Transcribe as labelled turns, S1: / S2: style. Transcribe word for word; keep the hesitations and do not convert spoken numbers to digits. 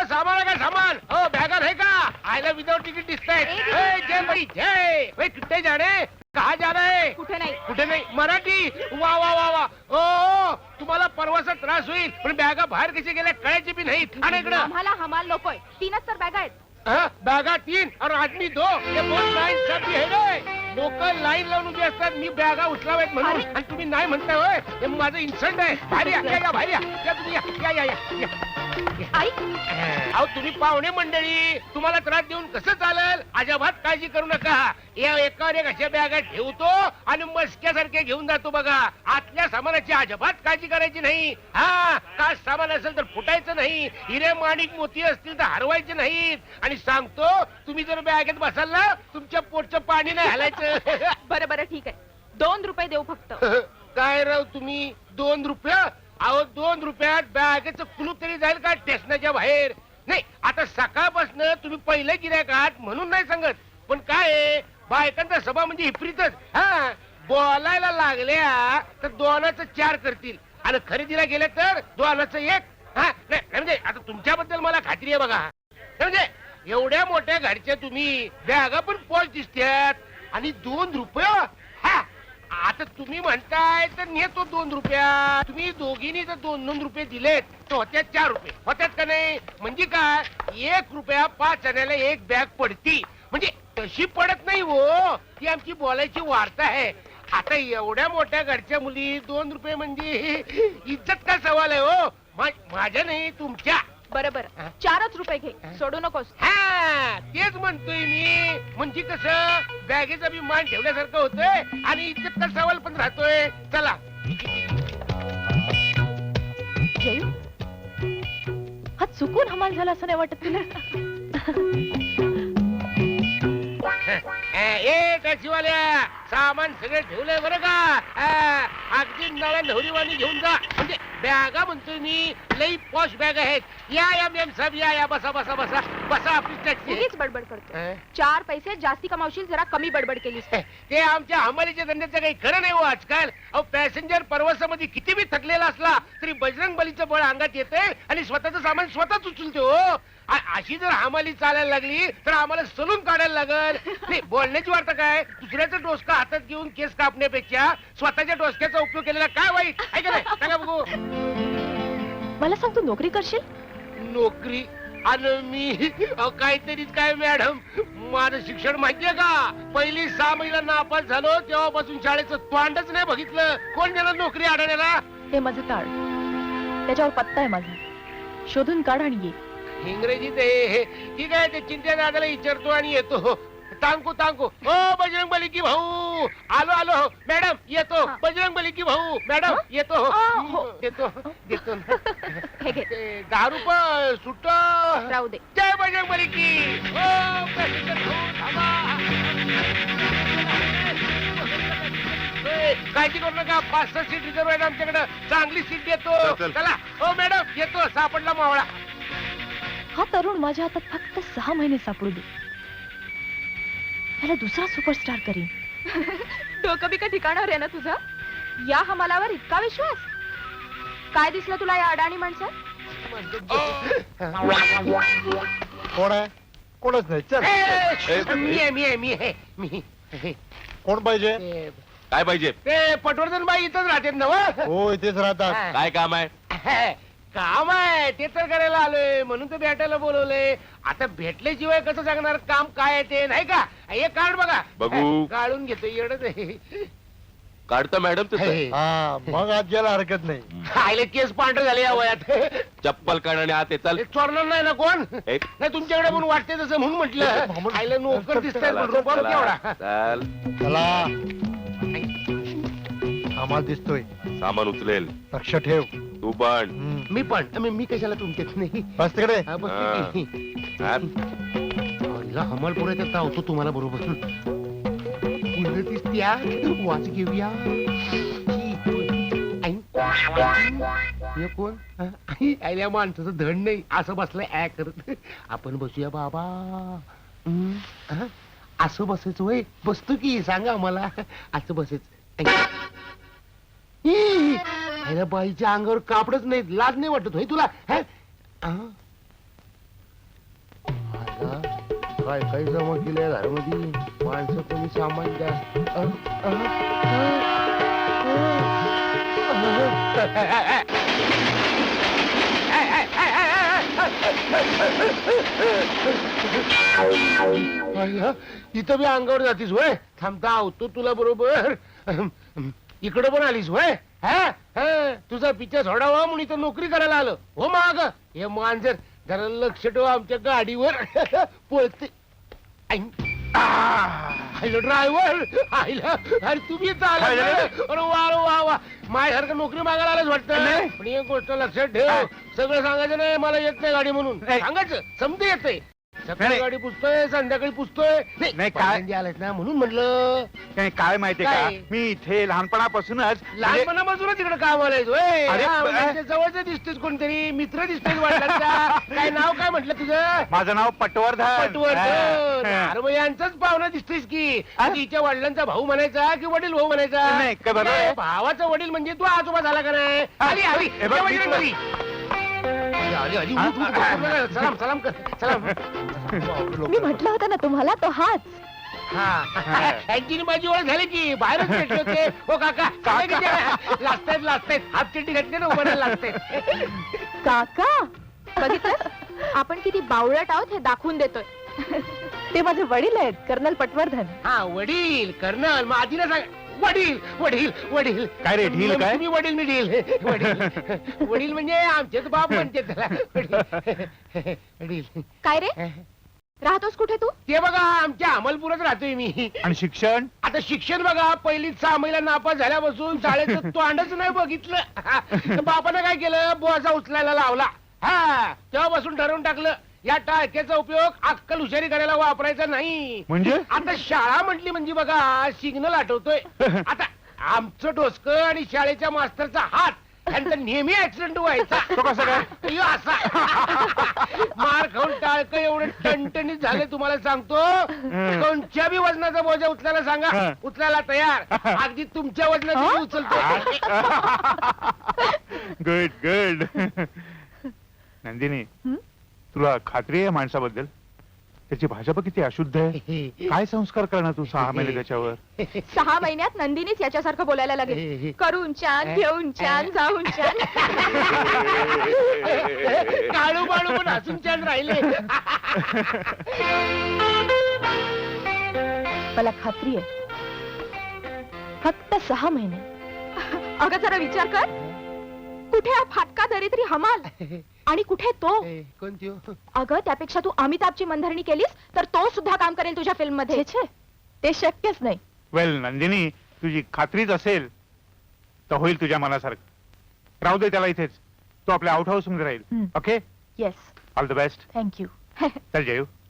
S1: सामान आहे का सामान? हो बॅगा आहे का? आयला विदाउट तिकीट दिसताय. जय बाई जय. कुठे जाणे? कहा जा रहे हैं?
S2: कुठे नाही.
S1: कुठे नाही. मराठी. वा वा वा वा. ओ तुम्हाला परवाचा त्रास होईल पण बॅगा बाहेर कशी गेल्या कळायची बी नाही. आणि इकडं
S2: आम्हाला हमाल नकोय. तीनच तर बॅगा आहेत.
S1: बॅगा तीन और आदमी दो. ये बहुत लाईन सब है रे. लोक लाईन लावून उभी असतात मी बॅगा उचलावेत म्हणून आणि तुम्ही नाही म्हणताय होय. हे माझं इन्सल्ट आहे. बाहेर या या बाहेर या. या तुम्ही या या या.
S2: आई
S1: अहो तुम्ही पाहुणे मंडळी तुम्हाला त्रास देऊन कसं चालेल? अजिबात काळजी करू नका. या एकावर एक अशा बॅगा ठेवतो आणि मस्क्यासारखे घेऊन जातो बघा. आतल्या सामानाची अजिबात काळजी करायची नाही. हा काच सामान असेल तर फुटायचं नाही. हिरे माणिक मोती असतील तर हरवायचे नाहीत. आणि सांगतो तुम्ही जर बॅगेत बसाल ना तुमच्या पोटचं पाणी नाही हलायचं.
S2: बरं बरं ठीक आहे. दोन रुपये देऊ फक्त.
S1: काय राव तुम्ही दोन रुपये? अहो दोन रुपयात बॅगेचं कुलूप तरी जाईल का स्टेशनाच्या बाहेर? नाही आता सकाळपासून तुम्ही पहिले गिऱ्हाईक आहात म्हणून नाही सांगत. पण काय आहे बायकांचा सभा म्हणजे हिपरीतच. हा बोलायला लागल्या तर दोनाचं चार करतील आणि खरेदीला गेले तर दोनाचं एक. हा नाही म्हणजे आता तुमच्याबद्दल मला खात्री आहे बघा. म्हणजे एवढ्या मोठ्या घरच्या तुम्ही बॅगा पण पॉच दिसतात आणि दोन रुपये. हा आता तुम्ही म्हणताय तर नेतो दोन रुपया. तुम्ही दोघींनी जर दोन दोन रुपये दिलेत तर होत्यात चार रुपये होत्यात का नाही? म्हणजे काय एक रुपया पाच आण्याला एक बॅग पडती. म्हणजे तशी पडत नाही हो. ती आमची बोलायची वार्ता आहे. आता एवढ्या मोठ्या घरच्या मुली दोन रुपये म्हणजे इज्जत का सवाल आहे हो? माझ्या नाही तुमच्या.
S2: बरं बरं चारच रुपये घे. सोडू नकोस.
S1: हा तेच म्हणतोय मी. म्हणजे कसं बॅगेचा बी मान ठेवल्यासारखं होतंय आणि इज्जत का सवाल पण राहतोय. चला
S2: जयू हा चुकून हमाल झाला असं नाही वाटत तुला?
S1: ए टॅक्सीवाल्या सामान सगळं ठेवलंय बरं का? अगदी नळ्या नवरीवाणी घेऊन जा. म्हणजे बॅगा म्हणतोय मी लई पॉश बॅग आहेत. या या मॅम साहेब या या बसा बसा बसा बसा. आपली टॅक्सी.
S2: उगीच बडबड करतो. चार पैसे जास्ती कमावशील जरा कमी बडबड केलीस.
S1: ते आमच्या हमालीच्या धंद्याचं काही खरं नाही हो आजकाल. अहो पॅसेंजर प्रवासामध्ये किती बी थकलेला असला तरी बजरंग बलीचं बळ अंगात येते आणि स्वतःचं सामान स्वतःच उचलते हो. अशी जर हमाली चालायला लागली तर आम्हाला सलून काढायला लागल. नाही बोलण्याची वार्ता काय? दुसऱ्याचा डोसका हातात घेऊन केस कापण्यापेक्षा स्वतःच्या डोसक्याचा उपयोग केलेला काय वाईट आहे का नाही? सांगा बघू.
S2: मला सांग तू नोकरी करशील?
S1: नोकरी आणि मी काहीतरीच काय मॅडम. माझं शिक्षण माहितीये का? पहिली सहा महिला नापास झालो तेव्हापासून शाळेचं तोंडच नाही बघितलं. कोण देणार नोकरी अडाण्याला?
S2: हे माझं ताळ त्याच्यावर पत्ता आहे माझा. शोधून काढ आणि ये.
S1: इंग्रजीत हे ठीक आहे. ते चिंत्या दादाला विचारतो आणि येतो. तांकू तांकू हो बजरंग बली की भाऊ. आलो आलो मॅडम येतो. बजरंग बली की भाऊ मॅडम येतो. देतो देतो
S2: हे घे.
S1: दहा रुपये सुट
S2: राहू दे.
S1: जय बजरंग बली की. हो काळजी करू नका. पाच सहा सीट रिझर्व आहे आमच्याकडे. चांगली सीट देतो. चला हो मॅडम येतो. सापडला मावळा.
S2: हा तरुण माझ्या हातात फक्त सहा महिने सापडू दे. त्याला दुसरा सुपरस्टार करीन. डोकं बी का ठिकाणावर आहे ना तुझं? या हमालावर इतका विश्वास? काय दिसलं तुला या अडाणी माणसं?
S3: कोण आहे? कोणच नाही. चल
S1: मी आहे मी आहे मी आहे मी.
S3: कोण पाहिजे?
S4: काय पाहिजे?
S1: ते पटवर्धन बाई इथंच राहते ना?
S3: हो इथेच राहतात.
S4: काय काम आहे?
S1: काम आहे ते तर करायला आलोय म्हणून तर भेटायला बोलवलंय. आता भेटल्याशिवाय कसं सांगणार काम काय आहे ते? नाही का? हे कार्ड बघा.
S4: बघू.
S1: काढून घेतो. येडच आहे.
S4: काढतो मॅडम तसं.
S3: हा मग आज गेला हरकत नाही.
S1: आईले केस पांढरे झाले या वयात.
S4: चप्पल काढ आणि आत ये. चल.
S1: चोरणार नाही ना कोण?
S4: एक.
S1: नाही तुमच्याकडे म्हणून वाटते तसं म्हणून म्हटलं. आईला नोकर दिसताय पण रुबाब केवढा.
S4: चल
S3: चला आम्हाला दिसतोय.
S4: सामान उचलेल.
S3: लक्ष ठेव.
S4: तू पण.
S1: मी पण मी मी कशाला तुमच्यात नाही.
S3: बस तिकडे.
S1: हा, बस ठीक आहे. हमाल पुढे तर होतो तुम्हाला बरोबर. दिसत्या वाच घेऊया. कोण आयल्या माणसाचं धड नाही असं बसलंय ऍ करत. आपण बसूया बाबा. असं बसायचं वय बसतो की सांगा आम्हाला. असं बसायचं. बाईच्या अंगावर कापडच नाही. लाज नाही वाटत होय तुला? काय काय जमा केलंय घरामध्ये माणसं कोणी सामान द्या इथं बी अंगावर जातीस होय थांबता आवतो तुला बरोबर इकडं पण आलीस होय हा हा, तुझा पिच्छा सोडावा म्हणून इथं नोकरी करायला आलं हो माग हे मांजर जरा लक्ष ठेवा आमच्या गाडीवर पळते आयलं ड्रायव्हर आयला अरे तुम्ही चाला अरे वा रे वा वा माझ्यासारखं नोकरी मागायला आलंच वाटतं पण एक गोष्ट लक्षात ठेव सगळं सांगायचं नाही मला येत नाही गाडी म्हणून सांगायचं समजे येते सकाळी गाडी पुसतोय संध्याकाळी पुसतोय
S5: नाही, काय-
S1: पहिल्यांदा आलायस ना म्हणून म्हणलं
S5: काय काय माहितीये का
S1: काय?
S5: मी इथे लहानपणापासूनच म्हणजे-
S1: लहानपणापासूनच तिकडे काम आलायस होय
S5: अरे,
S1: हा,
S5: ब-
S1: म्हणजे जवळच दिसतेस कोणतरी मित्र दिसतेस वाटला काय नाव काय म्हटलं तुझं
S5: माझं नाव पटवर्धन
S1: पटवर्धन
S5: हा.
S1: अरे मग यांचाच पाहुणा दिसतेस की तिच्या वडिलांचा भाऊ म्हणायचा की वडील भाऊ म्हणायचा
S5: नाही, काय बरोबर आहे.
S1: नाही, भावाचा वडील म्हणजे तू आजोबा झाला का नाही आली आली
S5: हे बघ,
S1: ये
S5: मी
S1: वडिलां
S5: तुला-
S1: घरी. आली, आली, उठ, उठ, उठ, सलाम सलाम कर सलाम
S2: मी म्हटलं होतं ना तुम्हाला तो हाच
S1: हा यांची माझी ओळख झाली की बाहेरच भेटले होते हो काका लागतायत लागतायत हाफ चिट्टी घातली ना उभं लागतायत
S2: काका बघितलं आपण किती बावळट आहोत हे दाखवून देतोय ते माझे वडील आहेत कर्नल पटवर्धन
S1: हा वडील कर्नल मग आधी ना सांग वडील वडील वडील
S5: काय रे, ढील काय?
S1: तुम्ही वडील मी ढील वडील वडील म्हणजे आमचेच बाप म्हणते त्याला वडील वडील
S2: काय रे राहतोस कुठे तू
S1: ते बघा आमच्या अमलपुरात राहतोय मी
S5: आणि शिक्षण
S1: आता शिक्षण बघा पहिलीच सहा महिला नापास झाल्यापासून शाळेचं तोंडच नाही बघितलं तर बापानं काय केलं बोजा उचलायला लावला हा तेव्हापासून ठरवून टाकलं या टाळक्याचा उपयोग अक्कल हुशारी करायला वापरायचा नाही
S5: म्हणजे
S1: आता शाळा म्हटली म्हणजे बघा सिग्नल आठवतोय आता आमचं डोसकं आणि शाळेच्या मास्तरचा हात यांचा नेहमी ऍक्सिडेंट व्हायचा
S5: तो कसा काय?
S1: अय्यो, असा मार खाऊन टाळकं एवढं टणटणीत झाले तुम्हाला सांगतो कोणत्या बी वजनाचा बोजा उचलायला सांगा
S5: हं.
S1: उचलायला तयार अगदी तुमच्या वजनाची उचलतो
S5: गुड गुड नंदिनी
S2: हं?
S5: तुला खात्री आहे माणसाबद्दल त्याची भाषा बघ किती अशुद्ध आहे काय संस्कार करणार तू सहा महिने त्याच्यावर
S2: सहा महिन्यात नंदिनीच याच्यासारखं बोलायला लागेल करून छान घेऊन छान जाऊन छान
S1: काळू बाळू पण हसून छान राहिले
S2: मला खात्री आहे फक्त सहा महिने अगं जरा विचार कर कुठे हा फाटका दरिद्री हमाल आणि कुठे तो
S1: कोणती
S2: अगं त्यापेक्षा तू अमिताभची मनधरणी केलीस तर तो सुद्धा काम करेल तुझ्या फिल्म मध्ये ते शक्यच नाही
S5: वेल नंदिनी तुझी खात्रीच असेल तर होईल तुझ्या मनासारखं राहू दे त्याला इथेच तो आपल्या आउट हाऊस मध्ये राहील
S2: हं.
S5: Okay
S2: yes
S5: all the best
S2: thank you
S5: चल जयू